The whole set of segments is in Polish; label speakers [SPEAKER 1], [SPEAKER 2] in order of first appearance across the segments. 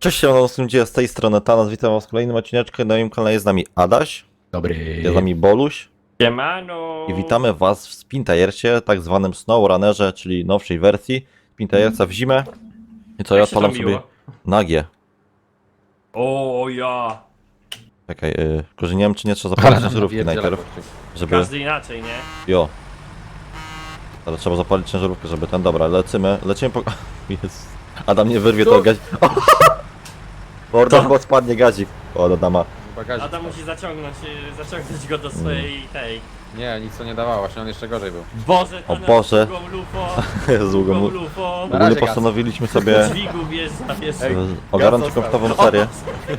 [SPEAKER 1] Cześć, z tej strony Tanas, witam was w kolejnym odcineczku. Na moim kanale jest z nami Adaś,
[SPEAKER 2] Dobry.
[SPEAKER 1] jest z nami Boluś
[SPEAKER 3] Siemano!
[SPEAKER 1] i witamy was w Spintajercie, tak zwanym SnowRunnerze, czyli nowszej wersji Spintajerca w zimę. I co, ja
[SPEAKER 3] Jak się
[SPEAKER 1] odpalam
[SPEAKER 3] to
[SPEAKER 1] sobie
[SPEAKER 3] miło?
[SPEAKER 1] nagie.
[SPEAKER 3] O ja!
[SPEAKER 1] Czekaj, tylko że nie wiem czy nie trzeba zapalić ciężarówki najpierw, żeby...
[SPEAKER 3] Każdy inaczej, nie?
[SPEAKER 1] Jo. Ale trzeba zapalić ciężarówkę, żeby ten... Dobra, lecimy po... Jest. Adam nie wyrwie to gazik. Morda, bo spadnie gazik. O, do dama.
[SPEAKER 2] Bagażnik.
[SPEAKER 3] Adam musi zaciągnąć go do swojej tej...
[SPEAKER 2] Nie, nic to nie dawało, właśnie on jeszcze gorzej był.
[SPEAKER 3] Boże,
[SPEAKER 1] O
[SPEAKER 3] Tanas,
[SPEAKER 1] Boże.
[SPEAKER 3] długą lufo,
[SPEAKER 1] Z długą...
[SPEAKER 3] długą lufo,
[SPEAKER 2] Na
[SPEAKER 1] Ogólnie
[SPEAKER 2] razie gaz.
[SPEAKER 1] postanowiliśmy sobie
[SPEAKER 3] dźwigu wiesz.
[SPEAKER 1] ogarnąć
[SPEAKER 2] gaz
[SPEAKER 1] jakąś nową
[SPEAKER 2] został.
[SPEAKER 1] serię.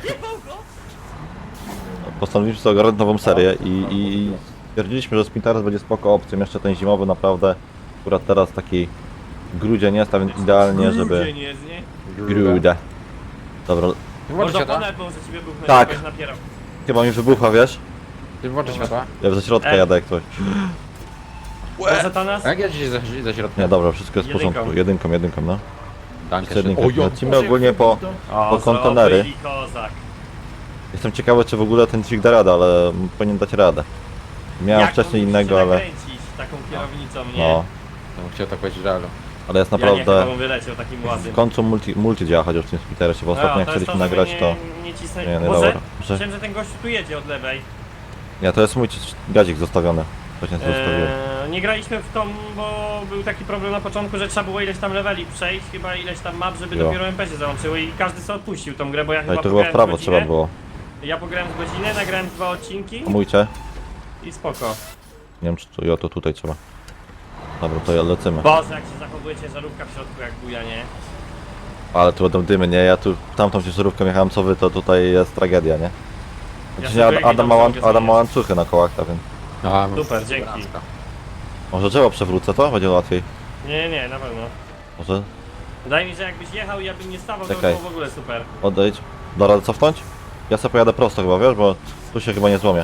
[SPEAKER 1] Postanowiliśmy sobie ogarnąć nową serię i stwierdziliśmy, że Spintares będzie spoko opcją. Jeszcze ten zimowy naprawdę, akurat teraz taki grudzień jest, a więc idealnie, żeby...
[SPEAKER 3] Grudzień jest, nie?
[SPEAKER 1] Grudę. Dobra,
[SPEAKER 2] Ty włączysz
[SPEAKER 3] Można
[SPEAKER 2] światła?
[SPEAKER 3] ponad, bo że ciebie buchnę,
[SPEAKER 1] Tak.
[SPEAKER 3] żebyś napierał.
[SPEAKER 1] chyba mi wybucha, wiesz?
[SPEAKER 2] Ty włączysz światła?
[SPEAKER 1] Ja ze środka jadę jak coś.
[SPEAKER 3] Boże, Tanas?
[SPEAKER 2] A jak ja dzisiaj za środkiem?
[SPEAKER 1] Nie, dobra, wszystko jest w porządku. Jedynką, no.
[SPEAKER 2] Dankę.
[SPEAKER 1] Jedynką.
[SPEAKER 2] O, jo.
[SPEAKER 1] Lecimy ogólnie po
[SPEAKER 3] O,
[SPEAKER 1] kontenery.
[SPEAKER 3] zrobili kozak.
[SPEAKER 1] Jestem ciekawy, czy w ogóle ten dźwig da radę, ale powinien dać radę. Miałem
[SPEAKER 3] Jak
[SPEAKER 1] wcześniej
[SPEAKER 3] on
[SPEAKER 1] innego,
[SPEAKER 3] musi
[SPEAKER 1] ale...
[SPEAKER 3] nakręcić taką kierownicą, nie?
[SPEAKER 1] No,
[SPEAKER 2] Ja bym chciał tak powiedzieć realu.
[SPEAKER 1] ale jest
[SPEAKER 3] Ja nie, chyba
[SPEAKER 1] naprawdę...
[SPEAKER 3] bym wyleciał takim ładnym.
[SPEAKER 1] W końcu multi działa, chociaż w tym Spintaresie, bo ostatnio jak
[SPEAKER 3] to jest
[SPEAKER 1] chcieliśmy
[SPEAKER 3] to, żeby
[SPEAKER 1] nagrać, to...
[SPEAKER 3] Nie cisnę...
[SPEAKER 1] Nie, nie
[SPEAKER 3] Boże,
[SPEAKER 1] dobra. Że...
[SPEAKER 3] myślałem, że ten gościu tu jedzie od lewej.
[SPEAKER 1] Nie, to jest mój gazik zostawiony. Właśnie to zostawiłem.
[SPEAKER 3] Nie graliśmy w tą, bo był taki problem na początku, że trzeba było ileś tam leveli przejść, chyba ileś tam map, żeby
[SPEAKER 1] Jo.
[SPEAKER 3] dopiero MP się załączyły i każdy sobie odpuścił tą grę, bo ja
[SPEAKER 1] Ale
[SPEAKER 3] chyba
[SPEAKER 1] to chyba w
[SPEAKER 3] pograłem
[SPEAKER 1] prawo
[SPEAKER 3] z
[SPEAKER 1] trzeba
[SPEAKER 3] godzinę.
[SPEAKER 1] było.
[SPEAKER 3] Ja pograłem z godzinę, nagrałem 2 odcinki
[SPEAKER 1] Hamujcie.
[SPEAKER 3] i spoko.
[SPEAKER 1] Nie wiem czy to... Jo, to tutaj trzeba. Dobra, to ja lecimy.
[SPEAKER 3] Boże, jak się zachowuje ciężarówka w środku jak buja, nie?
[SPEAKER 1] Ale tu będą dymy, nie? Ja tu tamtą ciężarówką jechałem co wy, to tutaj jest tragedia, nie?
[SPEAKER 3] Ja
[SPEAKER 1] Dzisiaj
[SPEAKER 3] sobie
[SPEAKER 1] Adam ma
[SPEAKER 3] mogę
[SPEAKER 1] Adam ma
[SPEAKER 3] zmieniać.
[SPEAKER 1] łańcuchy na kołach, tak więc...
[SPEAKER 2] A,
[SPEAKER 3] Super, dzięki.
[SPEAKER 1] Może drzewo przewrócę, to? Będzie łatwiej.
[SPEAKER 3] Nie, na pewno.
[SPEAKER 1] Może
[SPEAKER 3] Wydaje mi się, że jakbyś jechał i ja bym nie stawał, to by
[SPEAKER 1] Czekaj.
[SPEAKER 3] było w ogóle super.
[SPEAKER 1] odejdź. Da radę cofnąć? Ja sobie pojadę prosto chyba, wiesz, bo tu się chyba nie złomię.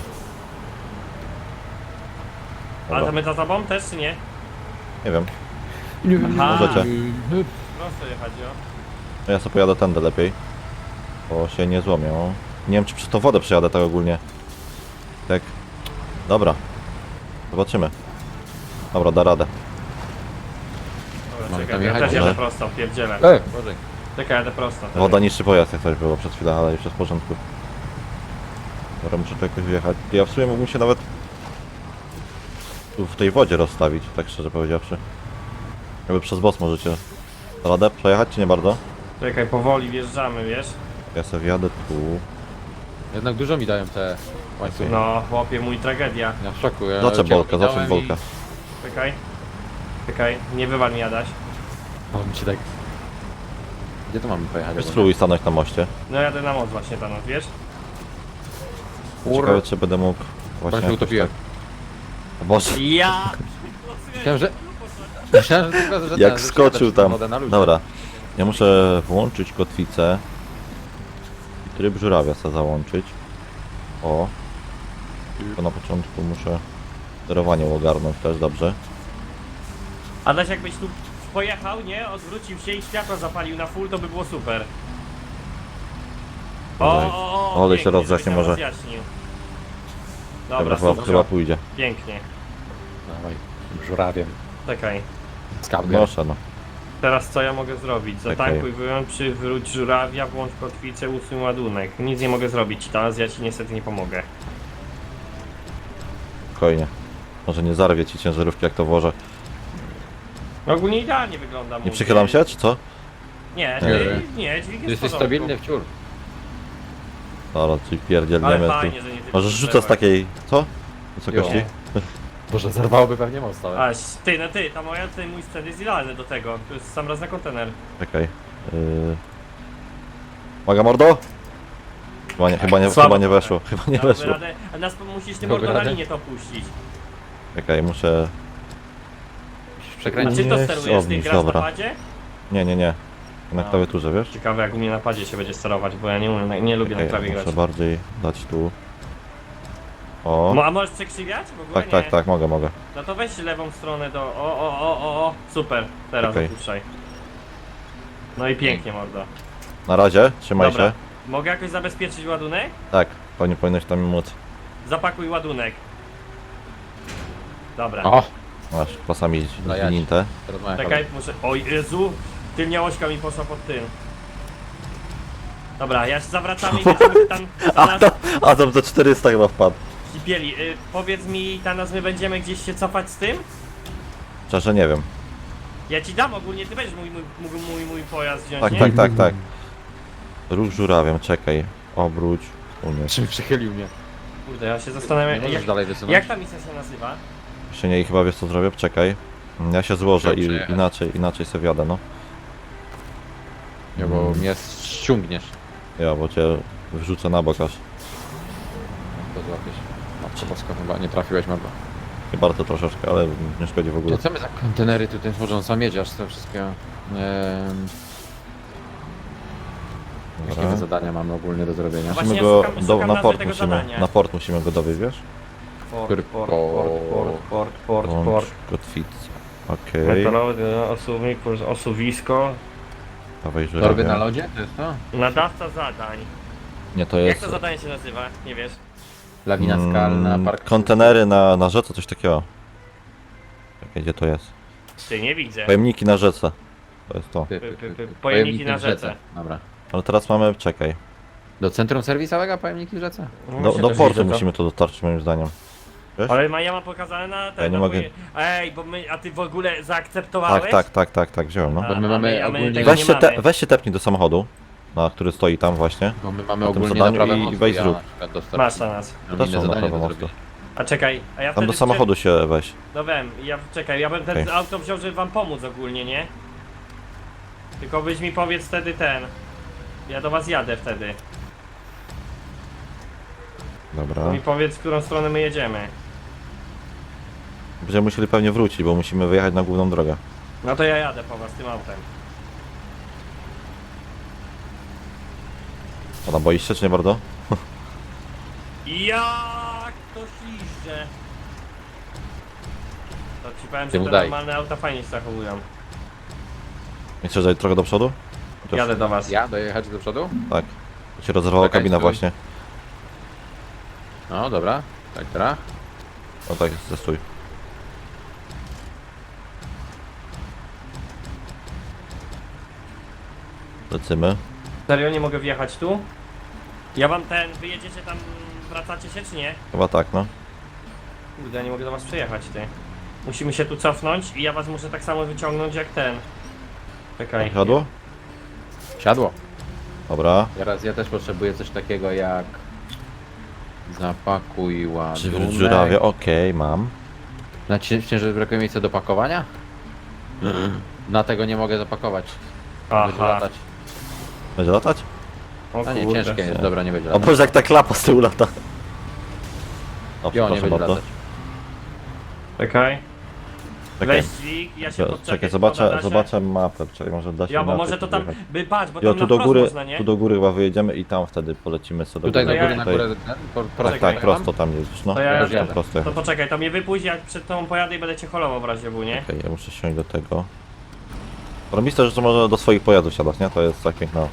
[SPEAKER 3] Ale
[SPEAKER 1] Dobra,
[SPEAKER 3] to my za tobą też, czy nie?
[SPEAKER 1] nie wiem.
[SPEAKER 3] Aha.
[SPEAKER 1] Możecie.
[SPEAKER 3] Prosto jechać, o.
[SPEAKER 1] Ja sobie pojadę tędy lepiej. Bo się nie złomię. O. Nie wiem czy przez tą wodę przejadę tak ogólnie. Tak. Dobra. Zobaczymy. Dobra, da radę.
[SPEAKER 3] Dobra,
[SPEAKER 2] Mamy
[SPEAKER 3] czekaj,
[SPEAKER 2] tam
[SPEAKER 3] ja
[SPEAKER 2] jechać,
[SPEAKER 3] też
[SPEAKER 1] może?
[SPEAKER 3] jadę prosto, pierdzielę.
[SPEAKER 2] Boże.
[SPEAKER 3] Czekaj, jadę prosto.
[SPEAKER 1] Woda niszczy pojazd jak coś było przed chwilą, ale już jest w porządku. Dobra, muszę tu jakoś wyjechać. Ja w sumie mógłbym się nawet tu w tej wodzie rozstawić, tak szczerze powiedziawszy. Jakby przez boss możecie radę przejechać, czy nie bardzo?
[SPEAKER 3] Czekaj, powoli wjeżdżamy, wiesz?
[SPEAKER 1] Ja sobie wjadę tu.
[SPEAKER 2] Jednak dużo mi dają te łańcuchy.
[SPEAKER 3] No, chłopie, mój tragedia.
[SPEAKER 2] Ja w szoku. Ja
[SPEAKER 1] Zaczep
[SPEAKER 2] cię
[SPEAKER 1] bolka, zaczep
[SPEAKER 2] ominąłem
[SPEAKER 1] bolka.
[SPEAKER 3] Czekaj, nie wywal mi Adaś.
[SPEAKER 2] O, mi się tak... Gdzie to mamy pojechać?
[SPEAKER 1] Weź spróbuj stanąć na moście.
[SPEAKER 3] No jadę na moc właśnie tam, wiesz?
[SPEAKER 1] Ciekawe czy będę mógł właśnie
[SPEAKER 2] Właśnie
[SPEAKER 1] jakoś
[SPEAKER 2] utopiłem.
[SPEAKER 1] tak... O Boże,
[SPEAKER 3] Ja!
[SPEAKER 2] Myślałem, że... Myślałem, że tylko, że
[SPEAKER 1] jak
[SPEAKER 2] że
[SPEAKER 1] skoczył
[SPEAKER 2] wsiadasz w
[SPEAKER 1] tam.
[SPEAKER 2] wodę na luzie.
[SPEAKER 1] Dobra, ja muszę włączyć kotwicę. I tryb żurawia sobie załączyć. O. Tylko na początku muszę sterowanie ogarnąć też, dobrze.
[SPEAKER 3] Adaś, jakbyś tu pojechał, nie? Odwrócił się i światło zapalił na full, to by było super.
[SPEAKER 1] Ale się
[SPEAKER 3] pięknie,
[SPEAKER 1] rozjaśni
[SPEAKER 3] żebyś nam
[SPEAKER 1] może.
[SPEAKER 3] rozjaśnił.
[SPEAKER 1] Dobra,
[SPEAKER 3] Dobra,
[SPEAKER 1] chyba
[SPEAKER 3] super.
[SPEAKER 1] pójdzie.
[SPEAKER 3] Pięknie.
[SPEAKER 2] Dawaj, żurawiem.
[SPEAKER 3] Czekaj.
[SPEAKER 2] Skarbem.
[SPEAKER 1] Proszę no.
[SPEAKER 3] Teraz co ja mogę zrobić?
[SPEAKER 1] Czekaj.
[SPEAKER 3] Zatankuj, wyłącz, przywróć żurawia, włącz kotwicę, usuń ładunek. Nic nie mogę zrobić, teraz ja ci niestety nie pomogę.
[SPEAKER 1] Spokojnie. Może nie zarwie ci ciężarówki jak to włożę.
[SPEAKER 3] No ogólnie idealnie wygląda.
[SPEAKER 1] Nie
[SPEAKER 3] mówię.
[SPEAKER 1] przychylam się, czy co?
[SPEAKER 3] Nie,
[SPEAKER 2] Nie.
[SPEAKER 3] dźwig jest w
[SPEAKER 2] Jesteś
[SPEAKER 3] porządku.
[SPEAKER 2] stabilny wciul.
[SPEAKER 1] Dobra, czyli
[SPEAKER 3] Ale
[SPEAKER 1] pierdzielniemy tu.
[SPEAKER 3] fajnie, że nie
[SPEAKER 1] Może rzucę z takiej... Co? Wysokości?
[SPEAKER 2] Jo. Boże, zerwałoby pewnie most całe.
[SPEAKER 3] Aś, ten mój sprzęt jest idealny do tego. To jest sam raz na kontener.
[SPEAKER 1] Czekaj. Uwaga mordo! Chyba nie weszło. Chyba nie
[SPEAKER 3] Damy
[SPEAKER 1] weszło.
[SPEAKER 3] radę, a nas musisz tym
[SPEAKER 2] Damy
[SPEAKER 3] mordo na
[SPEAKER 2] radę?
[SPEAKER 3] linię to puścić.
[SPEAKER 1] Czekaj, muszę...
[SPEAKER 2] Musisz
[SPEAKER 3] A
[SPEAKER 2] przekręcić.
[SPEAKER 3] czy to
[SPEAKER 1] Nie,
[SPEAKER 3] sterujesz? Ty
[SPEAKER 1] obniż,
[SPEAKER 3] grasz na
[SPEAKER 1] dobra.
[SPEAKER 3] padzie?
[SPEAKER 1] Nie. Na
[SPEAKER 3] No.
[SPEAKER 1] klawiaturze, wiesz?
[SPEAKER 3] Ciekawe jak u mnie na padzie się będzie sterować, bo ja nie lubię na
[SPEAKER 1] Czekaj,
[SPEAKER 3] klawie
[SPEAKER 1] muszę
[SPEAKER 3] grać.
[SPEAKER 1] bardziej dać tu. O.
[SPEAKER 3] A możesz przekrzywiać? W ogóle nie.
[SPEAKER 1] Tak, mogę.
[SPEAKER 3] No to weź lewą stronę do... O, super. Teraz
[SPEAKER 1] Okej.
[SPEAKER 3] opuszczaj. No i pięknie mordo.
[SPEAKER 1] Na razie, trzymaj
[SPEAKER 3] Dobra.
[SPEAKER 1] się.
[SPEAKER 3] Mogę jakoś zabezpieczyć ładunek?
[SPEAKER 1] Tak, pewnie powinieneś tam móc.
[SPEAKER 3] Zapakuj ładunek. Dobra.
[SPEAKER 2] O!
[SPEAKER 1] Masz pasami
[SPEAKER 2] No ja
[SPEAKER 1] zwinięte.
[SPEAKER 2] Teraz moja
[SPEAKER 3] Czekaj, muszę... Oj, Jezu! Tylnia ośka mi poszła pod tył. Dobra, ja się zawracamy i będziemy tam...
[SPEAKER 1] A tam za 400 chyba wpadł.
[SPEAKER 3] Kipieli, powiedz mi, Tanas, my będziemy gdzieś się cofać z tym?
[SPEAKER 1] Szczerze nie wiem.
[SPEAKER 3] Ja ci dam ogólnie, ty będziesz mój pojazd wziąć,
[SPEAKER 1] Tak,
[SPEAKER 3] nie?
[SPEAKER 1] tak, tak, tak. Ruch żurawiem, czekaj. Obróć. Umiesz.
[SPEAKER 2] Czym przychylił mnie?
[SPEAKER 3] Kurde, ja się
[SPEAKER 2] Nie
[SPEAKER 3] zastanawiam,
[SPEAKER 2] możesz dalej wysunąć?
[SPEAKER 3] jak ta misja się nazywa?
[SPEAKER 1] Jeszcze nie i chyba wiesz co zrobię? Czekaj. Ja się złożę
[SPEAKER 2] Chciał
[SPEAKER 1] i
[SPEAKER 2] przejechać.
[SPEAKER 1] inaczej sobie wjadę, no.
[SPEAKER 2] Nie, bo mnie ściągniesz.
[SPEAKER 1] Ja, bo cię wrzucę na bok aż.
[SPEAKER 2] To złapiesz. Matko Boska, chyba nie trafiłeś mordo.
[SPEAKER 1] Nie bardzo troszeczkę, ale nie szkodzi w ogóle.
[SPEAKER 2] To co my za kontenery tutaj tworzą? Sam jedziesz z tym wszystkiego. Jakie my zadania mamy ogólnie do zrobienia?
[SPEAKER 3] Właśnie
[SPEAKER 1] Musimy
[SPEAKER 3] ja
[SPEAKER 1] go
[SPEAKER 3] szukam
[SPEAKER 1] na
[SPEAKER 3] nazwy
[SPEAKER 1] port
[SPEAKER 3] tego
[SPEAKER 1] musimy.
[SPEAKER 3] zadania.
[SPEAKER 1] Na port musimy go dowieźć, wiesz?
[SPEAKER 3] Port.
[SPEAKER 1] Kotwicy. Okej.
[SPEAKER 3] Metalowy osuwnik, osuwisko.
[SPEAKER 1] Dawaj
[SPEAKER 2] Torby
[SPEAKER 1] żurawia.
[SPEAKER 2] na lodzie? To jest to?
[SPEAKER 3] Nadawca zadań.
[SPEAKER 1] Nie, to
[SPEAKER 3] Jak
[SPEAKER 1] jest...
[SPEAKER 3] to zadanie się nazywa? Nie wiesz?
[SPEAKER 2] Lawina skalna, park...
[SPEAKER 1] Kontenery na rzece, coś takiego. Czekaj, gdzie to jest?
[SPEAKER 3] Ty, nie widzę.
[SPEAKER 1] Pojemniki na rzece. To jest to.
[SPEAKER 3] Pojemniki na rzece.
[SPEAKER 2] Dobra.
[SPEAKER 1] Ale teraz mamy, czekaj.
[SPEAKER 2] Do centrum serwisowego pojemniki w rzece?
[SPEAKER 3] No
[SPEAKER 1] Do
[SPEAKER 3] właśnie też
[SPEAKER 1] portu
[SPEAKER 3] widzę to.
[SPEAKER 1] musimy to dostarczyć moim zdaniem. Wiesz?
[SPEAKER 3] Ale ja mam pokazane na ten.
[SPEAKER 1] Ja nie
[SPEAKER 3] na
[SPEAKER 1] mogę.
[SPEAKER 3] Ej, bo my, a ty w ogóle zaakceptowałeś?
[SPEAKER 1] Tak, wziąłem, no.
[SPEAKER 3] A,
[SPEAKER 2] Bo my mamy
[SPEAKER 3] a my
[SPEAKER 2] ogólnie-
[SPEAKER 3] tego nie mamy.
[SPEAKER 1] Weź się tepnij do samochodu, który stoi tam właśnie.
[SPEAKER 2] Bo my mamy
[SPEAKER 1] Na tym
[SPEAKER 2] ogólnie
[SPEAKER 1] zadaniu
[SPEAKER 2] naprawę
[SPEAKER 1] i
[SPEAKER 2] mostu,
[SPEAKER 1] weź
[SPEAKER 2] ja
[SPEAKER 1] zrób.
[SPEAKER 2] na przykład dostarczam.
[SPEAKER 3] Masz na nas.
[SPEAKER 2] Mam
[SPEAKER 1] Też
[SPEAKER 2] inne
[SPEAKER 1] są
[SPEAKER 2] zadanie
[SPEAKER 1] naprawę
[SPEAKER 2] do
[SPEAKER 1] mostu.
[SPEAKER 2] zrobienia.
[SPEAKER 3] A czekaj, a ja
[SPEAKER 1] Tam
[SPEAKER 3] wtedy...
[SPEAKER 1] do samochodu się weź.
[SPEAKER 3] No wiem, czekaj, ja bym ten
[SPEAKER 1] Okej.
[SPEAKER 3] auto wziął, żeby wam pomóc ogólnie, nie? Tylko byś mi powiedz wtedy ten. Ja do was jadę wtedy.
[SPEAKER 1] Dobra.
[SPEAKER 3] To mi powiedz, w którą stronę my jedziemy.
[SPEAKER 1] Będziemy musieli pewnie wrócić, bo musimy wyjechać na główną drogę.
[SPEAKER 3] No to ja jadę po was tym autem.
[SPEAKER 1] A tam boisz się, czy nie bardzo?
[SPEAKER 3] Jak to śliżdże. To ci powiem,
[SPEAKER 2] Ty
[SPEAKER 3] że
[SPEAKER 2] mu
[SPEAKER 3] te
[SPEAKER 2] daj.
[SPEAKER 3] normalne auta fajnie się zachowują.
[SPEAKER 1] Nie chcesz zajść trochę do przodu? Chociaż-
[SPEAKER 3] Jadę do was.
[SPEAKER 2] Ja dojechać do przodu?
[SPEAKER 1] Tak. To się rozerwała
[SPEAKER 2] Czekaj,
[SPEAKER 1] kabina
[SPEAKER 2] stój.
[SPEAKER 1] właśnie.
[SPEAKER 2] No dobra, tak teraz.
[SPEAKER 1] O tak, stój. Lecimy.
[SPEAKER 3] Serio, nie mogę wjechać tu? Ja wam wyjedziecie tam, wracacie się czy nie?
[SPEAKER 1] Chyba tak, no.
[SPEAKER 3] Kurde, ja nie mogę do was przejechać, ty. Musimy się tu cofnąć i ja was muszę tak samo wyciągnąć jak ten. Czekaj.
[SPEAKER 1] Siadło?
[SPEAKER 2] Siadło.
[SPEAKER 1] Dobra.
[SPEAKER 2] Teraz ja też potrzebuję coś takiego jak... Zapakuj
[SPEAKER 1] Przywróć
[SPEAKER 2] ładunek.
[SPEAKER 1] żurawie, okej, mam.
[SPEAKER 2] Na ciężar brakuje miejsca do pakowania? Na tego nie mogę zapakować. Będzie
[SPEAKER 3] Aha.
[SPEAKER 2] latać.
[SPEAKER 1] Będzie latać?
[SPEAKER 3] O
[SPEAKER 2] A nie,
[SPEAKER 3] kurde.
[SPEAKER 2] ciężkie jest, dobra, nie będzie
[SPEAKER 1] O
[SPEAKER 2] latać.
[SPEAKER 1] Boże, jak ta klapa z tyłu lata. O,
[SPEAKER 2] Jo, nie
[SPEAKER 1] przepraszam
[SPEAKER 2] będzie
[SPEAKER 1] bardzo.
[SPEAKER 2] latać.
[SPEAKER 3] Czekaj.
[SPEAKER 1] Czekaj,
[SPEAKER 3] Weź dźwig, ja się podczepię.
[SPEAKER 1] czekaj,
[SPEAKER 3] Szkoda, da się?
[SPEAKER 1] zobaczę mapę, czekaj, może da się
[SPEAKER 3] Ja, bo
[SPEAKER 1] na
[SPEAKER 3] może
[SPEAKER 1] tym
[SPEAKER 3] to tam,
[SPEAKER 1] wyjechać.
[SPEAKER 3] patrz, bo
[SPEAKER 1] Jo,
[SPEAKER 3] tam
[SPEAKER 1] tu
[SPEAKER 3] na
[SPEAKER 1] do
[SPEAKER 3] wprost
[SPEAKER 1] góry,
[SPEAKER 3] można, nie?
[SPEAKER 1] tu do góry chyba wyjedziemy i tam wtedy polecimy sobie
[SPEAKER 2] Tutaj do
[SPEAKER 1] góry.
[SPEAKER 2] góry, na
[SPEAKER 1] Tutaj-
[SPEAKER 2] górę,
[SPEAKER 1] Tak,
[SPEAKER 3] Czekaj,
[SPEAKER 1] tak, prosto tam jedziesz, no.
[SPEAKER 3] To ja
[SPEAKER 2] już
[SPEAKER 1] tam
[SPEAKER 2] jadę.
[SPEAKER 1] prosto.
[SPEAKER 3] To poczekaj, to mnie wypuść, jak przed tą pojadę i będę cię holował w razie W, nie?
[SPEAKER 1] Okej, ja muszę siąść do tego. Robiste, że to może do swoich pojazdów siadać, nie? To jest tak piękno.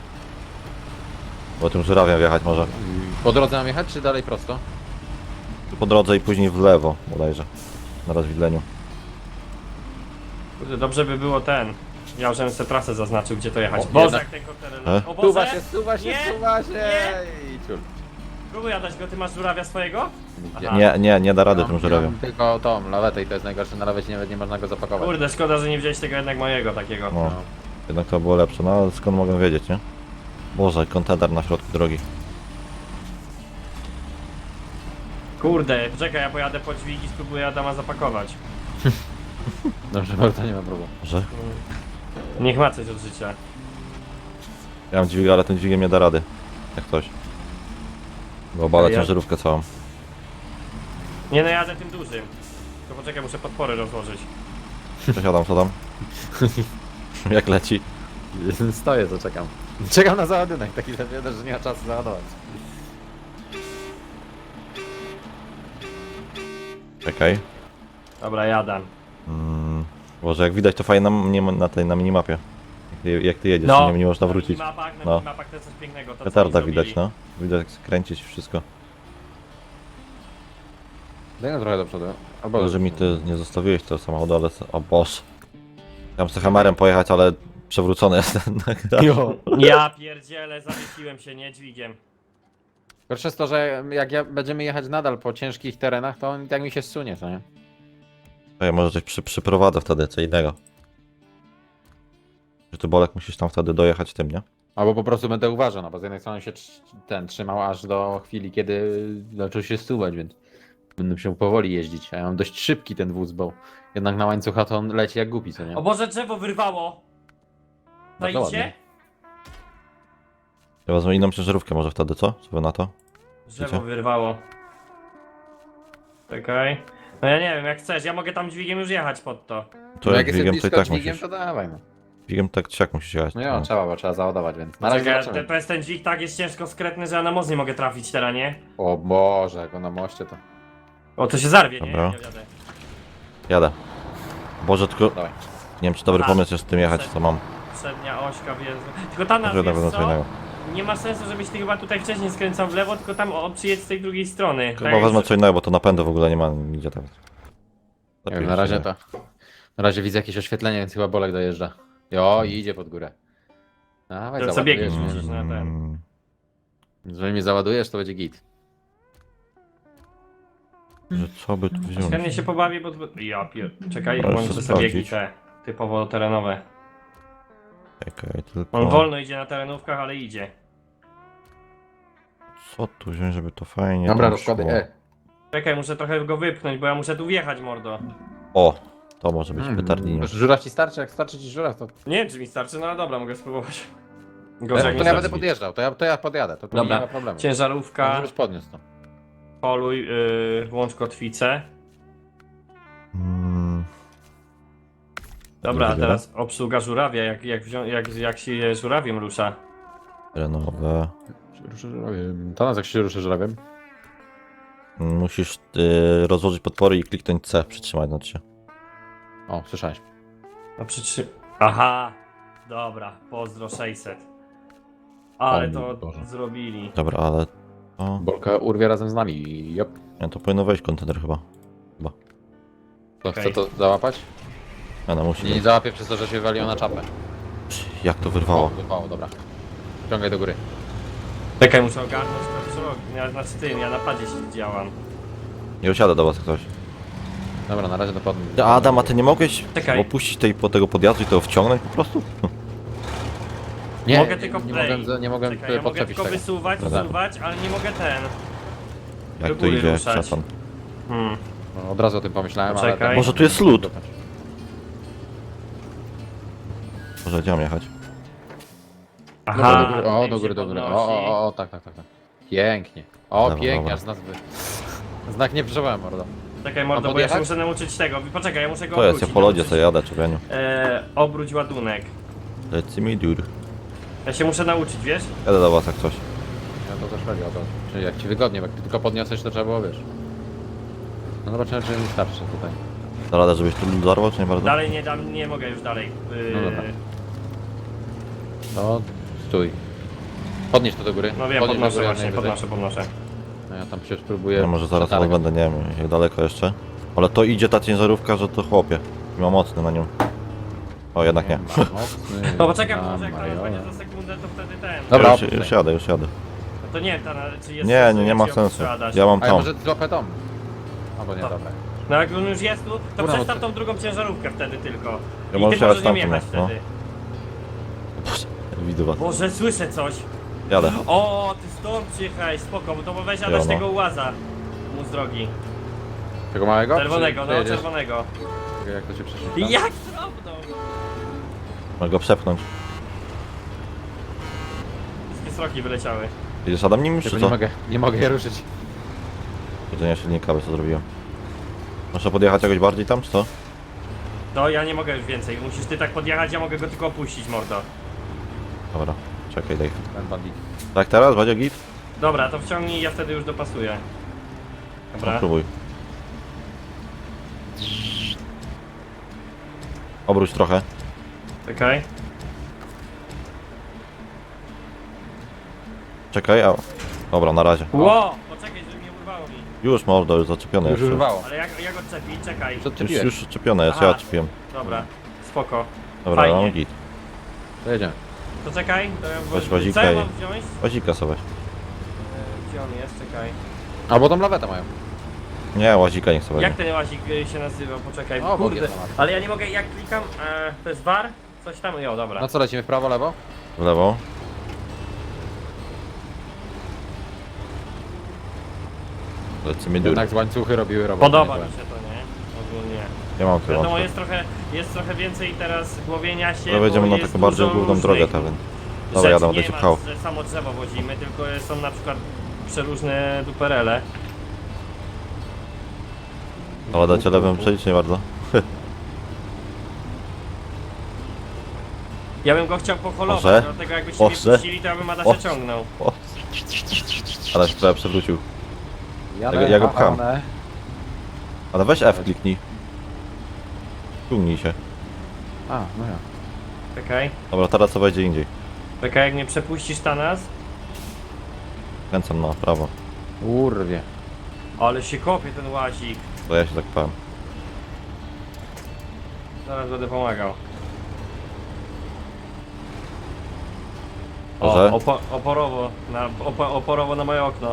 [SPEAKER 1] Bo tym żurawiem wjechać może.
[SPEAKER 2] Po drodze mam jechać, czy dalej prosto?
[SPEAKER 1] Po drodze i później w lewo bodajże. Na rozwidleniu.
[SPEAKER 3] Kurde, dobrze by było ten. Ja już bym sobie trasę zaznaczył, gdzie to jechać.
[SPEAKER 2] O,
[SPEAKER 3] Boże,
[SPEAKER 2] jednak-
[SPEAKER 3] jak ten kontener...
[SPEAKER 1] E?
[SPEAKER 3] O
[SPEAKER 2] Stuwa
[SPEAKER 3] Boże!
[SPEAKER 2] się, stuwa się,
[SPEAKER 3] Nie,
[SPEAKER 2] stuwa się!
[SPEAKER 3] nie.
[SPEAKER 2] I ciul.
[SPEAKER 3] Próbuj jadać go, ty masz żurawia swojego?
[SPEAKER 2] Gdzie?
[SPEAKER 3] Aha.
[SPEAKER 1] Nie da rady tym żurawiem.
[SPEAKER 2] Mam tylko tą lawetę i to jest najgorsze, na lawecie nawet nie można go zapakować.
[SPEAKER 3] Kurde, szkoda, że nie wziąłeś tego jednak mojego takiego.
[SPEAKER 1] No, jednak to było lepsze. No ale skąd mogę wiedzieć, nie? Boże, kontener na środku drogi.
[SPEAKER 3] Kurde, poczekaj, ja pojadę po dźwig i spróbuję Adama zapakować.
[SPEAKER 2] Dobrze, bardzo nie ma problemu.
[SPEAKER 1] Że?
[SPEAKER 3] Niech ma coś od życia.
[SPEAKER 1] Ja mam dźwig, ale ten dźwigiem nie da rady. Jak coś. Bo obala
[SPEAKER 3] Ja-
[SPEAKER 1] ciężarówkę całą.
[SPEAKER 3] Nie no, jadę tym dużym. To poczekaj, muszę podpory rozłożyć.
[SPEAKER 1] Przesiadam, co tam? Jak leci?
[SPEAKER 2] Stoję, to czekam. Czekam na załadunek, taki zawiadomo, że nie ma czasu załadować.
[SPEAKER 1] Czekaj.
[SPEAKER 3] Dobra, jadę.
[SPEAKER 1] Boże, jak widać to fajnie na minimapie. Jak ty jedziesz,
[SPEAKER 3] No,
[SPEAKER 1] nie można
[SPEAKER 3] na
[SPEAKER 1] wrócić.
[SPEAKER 3] minimapach, na
[SPEAKER 1] No.
[SPEAKER 3] minimapach to jest coś pięknego. To, co
[SPEAKER 1] Petarda
[SPEAKER 3] oni
[SPEAKER 1] widać,
[SPEAKER 3] zrobili.
[SPEAKER 1] no. Widać jak skręcić wszystko.
[SPEAKER 2] Daj no trochę do przodu. Albo
[SPEAKER 1] Może mi ty nie zostawiłeś tego samochodu, ale... O boż. Chciałem z tym Hammerem pojechać, ale przewrócony jestem na
[SPEAKER 2] Jo.
[SPEAKER 3] Ja pierdzielę, zawiesiłem się, nie dźwigiem.
[SPEAKER 2] Gorsze jest to, że jak będziemy jechać nadal po ciężkich terenach, to on i tak mi się zsunie, co nie?
[SPEAKER 1] Ja może coś przyprowadzę wtedy, co innego. Że ty Bolek musisz tam wtedy dojechać tym, nie?
[SPEAKER 2] Albo po prostu będę uważał, no bo z jednej strony się trzymał aż do chwili, kiedy zaczął się stuwać, więc będę musiał powoli jeździć. A ja mam dość szybki ten wóz, bo jednak na łańcucha to on leci jak głupi, co nie?
[SPEAKER 3] O Boże, drzewo wyrwało!
[SPEAKER 2] Bardzo ładnie.
[SPEAKER 3] Zajdzie?
[SPEAKER 1] Ja wezmę inną ciężarówkę może wtedy, co? Co wy na to?
[SPEAKER 3] Drzewo
[SPEAKER 1] Wiecie?
[SPEAKER 3] wyrwało. Czekaj. No ja nie wiem, jak chcesz, ja mogę tam dźwigiem już jechać pod to.
[SPEAKER 1] To
[SPEAKER 2] No
[SPEAKER 1] jak
[SPEAKER 2] jak
[SPEAKER 1] dźwigiem,
[SPEAKER 2] jestem
[SPEAKER 1] to i
[SPEAKER 2] blisko
[SPEAKER 1] tak
[SPEAKER 2] dźwigiem,
[SPEAKER 1] musisz.
[SPEAKER 2] to dawaj no.
[SPEAKER 1] Dźwigiem tak czy jak musisz jechać.
[SPEAKER 2] No jo, trzeba, bo trzeba załadować, więc na razie
[SPEAKER 3] Czekaj,
[SPEAKER 2] zobaczymy.
[SPEAKER 3] ten dźwig tak jest ciężko skretny, że ja na most nie mogę trafić teraz, nie?
[SPEAKER 2] O Boże, jak on na moście to...
[SPEAKER 3] O, to się zarwie, nie?
[SPEAKER 1] Dobra.
[SPEAKER 3] Ja jadę.
[SPEAKER 1] Jadę. Boże, tylko...
[SPEAKER 2] Dawaj.
[SPEAKER 1] Nie wiem, czy dobry
[SPEAKER 3] Dobra.
[SPEAKER 1] pomysł jest z tym jechać, co mam.
[SPEAKER 3] Przednia ośka wjeżdża. Tylko tam nas,
[SPEAKER 1] Może na
[SPEAKER 3] wiesz
[SPEAKER 1] pewno co
[SPEAKER 3] co?
[SPEAKER 1] innego.
[SPEAKER 3] Nie ma sensu, żebyś ty chyba tutaj wcześniej skręcał w lewo, tylko tam przyjedź z tej drugiej strony. Tak
[SPEAKER 1] Chyba
[SPEAKER 3] jak
[SPEAKER 1] wezmę co innego, bo to napędu w ogóle nie ma nigdzie tam.
[SPEAKER 2] Nie wiem, na razie to... Na razie widzę jakieś oświetlenie, więc chyba Bolek dojeżdża. Jo, i idzie pod górę. Dawaj,
[SPEAKER 3] To co biegniesz,
[SPEAKER 2] załadujesz
[SPEAKER 3] musisz
[SPEAKER 2] mnie.
[SPEAKER 3] na ten.
[SPEAKER 1] Mm,
[SPEAKER 2] Jeżeli mnie załadujesz, to będzie git.
[SPEAKER 1] że co by tu wziąć?
[SPEAKER 3] Chętnie się pobawię, bo... Ja pier... Czekaj,
[SPEAKER 1] Ale
[SPEAKER 3] włączę
[SPEAKER 1] chcę
[SPEAKER 3] sobie biegi
[SPEAKER 1] sprawdzić.
[SPEAKER 3] te typowo terenowe.
[SPEAKER 1] Czekaj, tylko...
[SPEAKER 3] On wolno idzie na terenówkach, ale idzie.
[SPEAKER 1] Co tu wziąć, żeby to fajnie
[SPEAKER 2] Dobra,
[SPEAKER 1] tam
[SPEAKER 2] rozkłady,
[SPEAKER 1] szło?
[SPEAKER 3] Czekaj, muszę trochę go wypchnąć, bo ja muszę tu wjechać, mordo.
[SPEAKER 1] O! To może być petardinio.
[SPEAKER 2] Żuraw ci starczy? Jak starczy ci żuraw, to...
[SPEAKER 3] Nie wiem, czy mi starczy, no ale dobra, mogę spróbować.
[SPEAKER 2] To
[SPEAKER 3] Gorzej jak nie
[SPEAKER 2] ja będę
[SPEAKER 3] starczy.
[SPEAKER 2] podjeżdżał, to ja podjadę, to tu
[SPEAKER 3] Dobra.
[SPEAKER 2] nie ma problemu.
[SPEAKER 3] Ciężarówka,
[SPEAKER 2] Żebyś podniósł to.
[SPEAKER 3] poluj, włącz kotwicę.
[SPEAKER 1] Mm.
[SPEAKER 3] Dobra, a
[SPEAKER 1] Dobra.
[SPEAKER 3] teraz obsługa żurawia, jak się żurawiem rusza.
[SPEAKER 1] Terenowe.
[SPEAKER 2] Ruszę żurawiem. To nas jak się ruszy żurawiem.
[SPEAKER 1] Musisz rozłożyć podpory i kliknąć C, przytrzymać znaczy się.
[SPEAKER 2] O, słyszałeś.
[SPEAKER 3] No Aha! Dobra, pozdro 600. Ale
[SPEAKER 2] O
[SPEAKER 3] to
[SPEAKER 2] Boże.
[SPEAKER 3] zrobili.
[SPEAKER 1] Dobra, ale... O,
[SPEAKER 2] Bolka urwie razem z nami. Jop.
[SPEAKER 1] nie, to powinno wejść kontener chyba.
[SPEAKER 2] To
[SPEAKER 3] Okej.
[SPEAKER 2] chce to załapać?
[SPEAKER 1] No musi
[SPEAKER 2] Nie
[SPEAKER 1] być.
[SPEAKER 2] załapie przez to, że się waliło na czapę.
[SPEAKER 1] Jak to
[SPEAKER 2] O,
[SPEAKER 1] wyrwało?
[SPEAKER 2] wyrwało, dobra. Ciągaj do góry.
[SPEAKER 3] Czekaj, muszę ogarnąć to co robię. Ja znaczy tym, ja na padzie się działam.
[SPEAKER 1] Nie usiada do was ktoś.
[SPEAKER 2] Dobra, na razie to podnieś.
[SPEAKER 1] Adam, a ty nie mogłeś
[SPEAKER 3] Czekaj.
[SPEAKER 1] opuścić tego podjazdu i to wciągnąć po prostu?
[SPEAKER 2] Nie,
[SPEAKER 3] Mogę tylko
[SPEAKER 2] nie
[SPEAKER 3] play.
[SPEAKER 2] mogłem, nie mogłem
[SPEAKER 3] Czekaj, ja mogę
[SPEAKER 2] podczepić
[SPEAKER 3] tylko
[SPEAKER 2] tego.
[SPEAKER 3] wysuwać,
[SPEAKER 1] Dobra.
[SPEAKER 3] wsuwać, ale nie mogę ten.
[SPEAKER 1] Jak
[SPEAKER 3] Do
[SPEAKER 1] to
[SPEAKER 3] góry
[SPEAKER 1] idzie,
[SPEAKER 3] ruszać.
[SPEAKER 1] szatan.
[SPEAKER 2] No, od razu o tym pomyślałem,
[SPEAKER 3] Poczekaj.
[SPEAKER 2] ale...
[SPEAKER 1] Może tu jest lód. Może gdzie mam jechać?
[SPEAKER 2] Dobra, do góry,
[SPEAKER 3] tym
[SPEAKER 2] o,
[SPEAKER 3] się
[SPEAKER 2] do góry, do góry.
[SPEAKER 3] podnosi.
[SPEAKER 2] O, tak. Pięknie. O,
[SPEAKER 1] Dobra,
[SPEAKER 2] pięknie,
[SPEAKER 1] dobra.
[SPEAKER 2] aż nas wy... Znak nie przeżyłem, mordo.
[SPEAKER 3] Czekaj mordo,
[SPEAKER 2] Mam
[SPEAKER 3] bo ja się
[SPEAKER 2] podjechać?
[SPEAKER 3] muszę nauczyć tego. Poczekaj, ja muszę go
[SPEAKER 1] To jest, ja
[SPEAKER 3] obrócić.
[SPEAKER 1] po lodzie
[SPEAKER 3] nauczyć.
[SPEAKER 1] sobie jadę, człowieniu.
[SPEAKER 3] Obróć ładunek.
[SPEAKER 1] Lecimy mi dur.
[SPEAKER 3] Ja się muszę nauczyć, wiesz?
[SPEAKER 1] Jadę do was jak coś.
[SPEAKER 2] Ja to też robię, o to. Czyli jak ci wygodnie, bo jak ty tylko podniosłeś, to trzeba było, wiesz. No zobaczymy, czy mi starczy tutaj.
[SPEAKER 1] Da radę, żebyś tu lód zarwał, czy nie bardzo?
[SPEAKER 3] Dalej nie mogę już dalej.
[SPEAKER 2] No dobra. To stój. Podnieś to do góry.
[SPEAKER 3] No wiem,
[SPEAKER 2] Podnieś do
[SPEAKER 3] podnoszę
[SPEAKER 2] góry,
[SPEAKER 3] właśnie,
[SPEAKER 2] najwyżej.
[SPEAKER 3] podnoszę.
[SPEAKER 2] No ja tam się spróbuję...
[SPEAKER 1] Ja może zaraz
[SPEAKER 2] przetargać.
[SPEAKER 1] będę, nie wiem jak daleko jeszcze. Ale to idzie ta ciężarówka, że to chłopie. I ma mocny na nią. O, jednak nie.
[SPEAKER 2] Mocny
[SPEAKER 3] No poczekaj,
[SPEAKER 2] na
[SPEAKER 3] może jak to
[SPEAKER 2] majora.
[SPEAKER 3] będzie za sekundę, to wtedy ten.
[SPEAKER 2] Dobra,
[SPEAKER 1] Już jadę, już jadę.
[SPEAKER 3] No to nie wiem, czy jest
[SPEAKER 1] Nie,
[SPEAKER 3] sens,
[SPEAKER 1] nie
[SPEAKER 3] jak
[SPEAKER 1] ma
[SPEAKER 3] się
[SPEAKER 1] sensu.
[SPEAKER 3] obstrzelać.
[SPEAKER 1] Ja mam
[SPEAKER 2] A ja
[SPEAKER 1] tą.
[SPEAKER 2] może złapę dom. Albo nie,
[SPEAKER 3] To-
[SPEAKER 2] dobra.
[SPEAKER 3] No jak on już jest tu, to
[SPEAKER 2] Dobra,
[SPEAKER 3] przestaw
[SPEAKER 2] no to-
[SPEAKER 3] tą drugą ciężarówkę wtedy tylko.
[SPEAKER 1] Ja
[SPEAKER 3] I
[SPEAKER 1] może
[SPEAKER 3] ty możesz
[SPEAKER 1] jechać
[SPEAKER 3] nią
[SPEAKER 1] tamtym,
[SPEAKER 3] jechać
[SPEAKER 1] no.
[SPEAKER 3] wtedy.
[SPEAKER 1] Widzę was.
[SPEAKER 3] Boże, słyszę coś.
[SPEAKER 1] Jadę.
[SPEAKER 3] O, ty stąd przyjechałeś, spoko, bo to weź Adaś
[SPEAKER 1] no.
[SPEAKER 3] tego łaza mu z drogi.
[SPEAKER 2] Tego małego?
[SPEAKER 3] Czerwonego,
[SPEAKER 2] Czy
[SPEAKER 3] no
[SPEAKER 2] jedziesz?
[SPEAKER 3] czerwonego.
[SPEAKER 2] Jak to się przeczyta?
[SPEAKER 3] Jak drobną?
[SPEAKER 1] Mogę go przepchnąć.
[SPEAKER 3] Wszystkie sroki wyleciały.
[SPEAKER 1] Jedziesz Adam nim
[SPEAKER 2] Tylko
[SPEAKER 1] czy
[SPEAKER 2] nie
[SPEAKER 1] co?
[SPEAKER 2] nie mogę je ruszyć.
[SPEAKER 1] Jedzenie silnika, by co zrobiłem. Muszę podjechać jakoś bardziej tam, czy co?
[SPEAKER 3] To ja nie mogę już więcej, musisz ty tak podjechać, ja mogę go tylko opuścić, mordo.
[SPEAKER 1] Dobra, czekaj, daj.
[SPEAKER 2] Ten bandit.
[SPEAKER 1] Tak teraz? Będzie git?
[SPEAKER 3] Dobra, to wciągnij, ja wtedy już dopasuję.
[SPEAKER 1] No,
[SPEAKER 3] Dobra.
[SPEAKER 1] próbuj. Obróć trochę.
[SPEAKER 3] Czekaj.
[SPEAKER 1] Czekaj, a... Dobra, na razie.
[SPEAKER 3] Ło! Poczekaj, żeby nie urwało mi.
[SPEAKER 1] Już mordo, już zaczepione
[SPEAKER 2] Już
[SPEAKER 1] jest.
[SPEAKER 2] urwało.
[SPEAKER 3] Ale jak odczepić? Czekaj.
[SPEAKER 2] Już
[SPEAKER 1] Już,
[SPEAKER 2] odczepiłeś.
[SPEAKER 1] już czepione jest,
[SPEAKER 3] Aha.
[SPEAKER 1] ja czepiłem.
[SPEAKER 3] Dobra, spoko.
[SPEAKER 1] Dobra,
[SPEAKER 3] Fajnie.
[SPEAKER 1] mam git.
[SPEAKER 2] To jedziemy.
[SPEAKER 3] To czekaj, to ja
[SPEAKER 1] Weź wazika
[SPEAKER 3] co ja
[SPEAKER 1] i-
[SPEAKER 3] mam wziąć?
[SPEAKER 1] Łazika sobie.
[SPEAKER 3] Gdzie on jest? Czekaj.
[SPEAKER 2] Albo tą lawetę mają.
[SPEAKER 1] Nie, łazika niech sobie
[SPEAKER 3] Jak
[SPEAKER 1] weźmie.
[SPEAKER 3] ten łazik się nazywa? Poczekaj.
[SPEAKER 2] O,
[SPEAKER 3] Kurde.
[SPEAKER 2] jest temat.
[SPEAKER 3] Ale ja nie mogę, jak klikam, to jest war? Coś tam, jo, dobra.
[SPEAKER 2] No co, lecimy w prawo, lewo?
[SPEAKER 1] W lewo. Lecimy dur.
[SPEAKER 2] Jednak z łańcuchy robiły robotę.
[SPEAKER 3] Podoba
[SPEAKER 2] nie
[SPEAKER 3] mi się to, nie? Ogólnie.
[SPEAKER 1] Ja mam tu
[SPEAKER 3] Wiadomo,
[SPEAKER 1] łączę.
[SPEAKER 3] jest trochę więcej teraz głowienia się,
[SPEAKER 1] No wejdziemy
[SPEAKER 3] bo
[SPEAKER 1] na
[SPEAKER 3] jest
[SPEAKER 1] taką bardziej
[SPEAKER 3] dużo
[SPEAKER 1] główną
[SPEAKER 3] różnych
[SPEAKER 1] drogę, ta więc. Dobra,
[SPEAKER 3] rzeczy.
[SPEAKER 1] jadę, będę
[SPEAKER 3] Nie
[SPEAKER 1] cię
[SPEAKER 3] ma,
[SPEAKER 1] pchał.
[SPEAKER 3] że samo drzewo wodzimy, tylko są na przykład przeróżne duperele.
[SPEAKER 1] Ale dacie lewym przejść, nie bardzo.
[SPEAKER 3] Ja bym go chciał poholować,
[SPEAKER 1] Może?
[SPEAKER 3] dlatego jakbyście mnie
[SPEAKER 1] Może?
[SPEAKER 3] puścili, to ja bym Adasia
[SPEAKER 1] O.
[SPEAKER 3] ciągnął.
[SPEAKER 1] O. Ale się prawie przewrócił.
[SPEAKER 2] Jadę,
[SPEAKER 1] Ja go pcham.
[SPEAKER 2] one.
[SPEAKER 1] Ale weź F kliknij. Ciągnij się.
[SPEAKER 2] A, no ja.
[SPEAKER 3] Czekaj,
[SPEAKER 1] Dobra, teraz co wejdzie indziej.
[SPEAKER 3] czekaj, jak mnie przepuścisz ta nas.
[SPEAKER 1] Kręcam na prawo.
[SPEAKER 2] Urwie.
[SPEAKER 3] Ale się kopie ten łazik.
[SPEAKER 1] To ja się tak pałem.
[SPEAKER 3] Zaraz będę pomagał.
[SPEAKER 1] Może?
[SPEAKER 3] Oporowo na moje okno.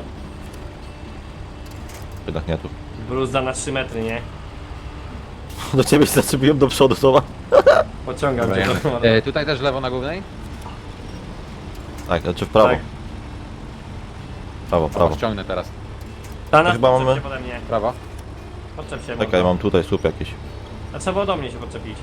[SPEAKER 1] Jednak nie tu.
[SPEAKER 3] Bluzda na 3 metry, nie?
[SPEAKER 1] Do ciebie się zaczepiłem do przodu, słowa.
[SPEAKER 3] Pociągam
[SPEAKER 2] Dobra,
[SPEAKER 3] cię
[SPEAKER 2] jadę.
[SPEAKER 3] do
[SPEAKER 2] Tutaj też lewo na głównej?
[SPEAKER 1] Tak, znaczy w prawo.
[SPEAKER 3] Tak.
[SPEAKER 1] Prawo, prawo.
[SPEAKER 2] Ściągnę teraz.
[SPEAKER 3] Ta nas
[SPEAKER 1] chyba
[SPEAKER 3] podczep
[SPEAKER 1] mamy-
[SPEAKER 3] się pode mnie.
[SPEAKER 2] Prawo.
[SPEAKER 3] Podczep się.
[SPEAKER 1] Czekaj,
[SPEAKER 3] mordo.
[SPEAKER 1] mam tutaj słup jakiś.
[SPEAKER 3] A trzeba było do mnie się podczepić.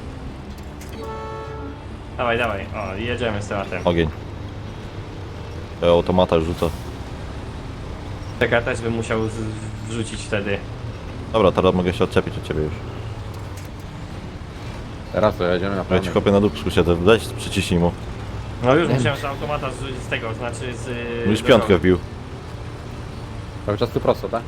[SPEAKER 3] Dawaj, dawaj. O, jedziemy z tematem.
[SPEAKER 1] Ogień. Ja automata już rzucę.
[SPEAKER 3] Czekaj, ja też bym musiał wrzucić wtedy.
[SPEAKER 1] Dobra, teraz mogę się odczepić od ciebie już.
[SPEAKER 2] Teraz to jedziemy na
[SPEAKER 1] Ja
[SPEAKER 2] prawo.
[SPEAKER 1] ci kopię na dupsku siedzę, weź przyciśnij mu.
[SPEAKER 3] No już musiałem z automata z tego, znaczy z...
[SPEAKER 1] Już piątkę wbił.
[SPEAKER 2] Cały czas tu prosto, tak?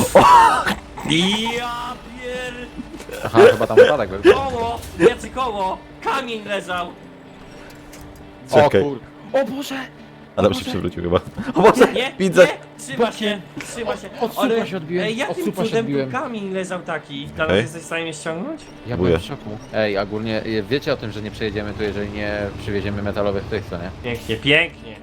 [SPEAKER 3] Ja pier...
[SPEAKER 2] Aha, chyba tam wypadek był.
[SPEAKER 3] Koło! Wielce koło! Kamień leżał!
[SPEAKER 1] Czekaj.
[SPEAKER 2] O kur... O Boże!
[SPEAKER 1] Ale już się przewrócił chyba. O Boże,
[SPEAKER 3] Nie,
[SPEAKER 1] widzę!
[SPEAKER 3] nie! Trzyma się! Trzyma się!
[SPEAKER 2] Od słupa się odbiłem,
[SPEAKER 3] Ej,
[SPEAKER 2] od
[SPEAKER 3] jakim
[SPEAKER 2] słupa się
[SPEAKER 3] cudem tu
[SPEAKER 2] odbiłem.
[SPEAKER 3] kamień leżał taki? Teraz
[SPEAKER 1] Okej.
[SPEAKER 3] jesteś w stanie mnie ściągnąć?
[SPEAKER 2] Ja
[SPEAKER 1] Buję.
[SPEAKER 2] byłem w szoku. Ej, ogólnie wiecie o tym, że nie przejedziemy tu, jeżeli nie przywieziemy metalowych tych, co nie?
[SPEAKER 3] Pięknie, pięknie!